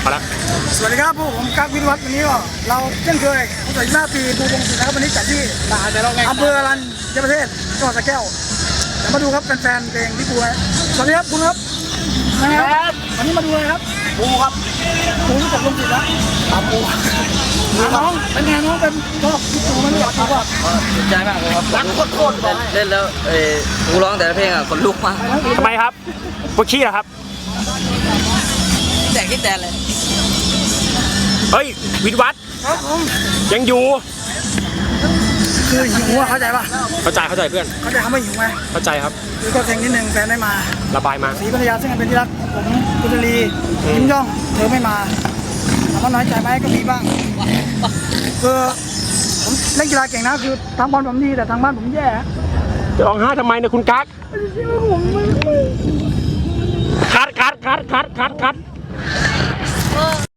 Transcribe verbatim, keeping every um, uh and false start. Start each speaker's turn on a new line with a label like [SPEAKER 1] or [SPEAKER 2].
[SPEAKER 1] มาแล้ว
[SPEAKER 2] สวัสดีครับผู้ผมกั๊กวิทวัฒน์วันนี้ก็เราเช่นเคยตั้งแต่หน้าปีปูวงศิลป์นะครับวันนี้จัดที่อำเภอรัญญประเทศจังหวัดสระแก้วเดี๋ยวมาดูครับแฟนๆเพลงพี่ปูนะสวัสดีครับคุณครับนะครับวันนี้มาดูเลยครับปูครับปูที่จัดวงศิลป์นะปูน้องเป็นไงน้องเป็นชอบพี่ปูมันรู้จักปูป่ะ
[SPEAKER 3] ใจมากเลยครับรักโคตรๆเล่นแล้วเออกูร้องแต่ละเพลงอ่ะคนลุกมาก
[SPEAKER 1] ทำไมครับปวดขี้เหรอครับ
[SPEAKER 3] แต่คิดแต่เลย
[SPEAKER 1] เฮ้ยวิทวัฒน์ยังอยู่
[SPEAKER 2] คือหิวเข้าใจป่ะ
[SPEAKER 1] เข้าใจเข้าใจเพื่อน
[SPEAKER 2] เข้าใจคำว่าหิวไหม
[SPEAKER 1] เข้าใจครับ
[SPEAKER 2] คือก็เพลงนิดนึงแฟนได้มา
[SPEAKER 1] ระบายมา
[SPEAKER 2] ศรีภรรยาซึ่งเป็นที่รักผมกุศลียิ้มย่องเธอไม่มาถามว่าน้อยใจไหมก็มีบ้างคือผมเล่นกีฬาเก่งนะคือทางบอลผมดีแต่ทางบ้านผมแย่
[SPEAKER 1] จะร้องไห้ทำไมเนี่ยคุณกั๊กคัดคัดคัดคัดคัดคัด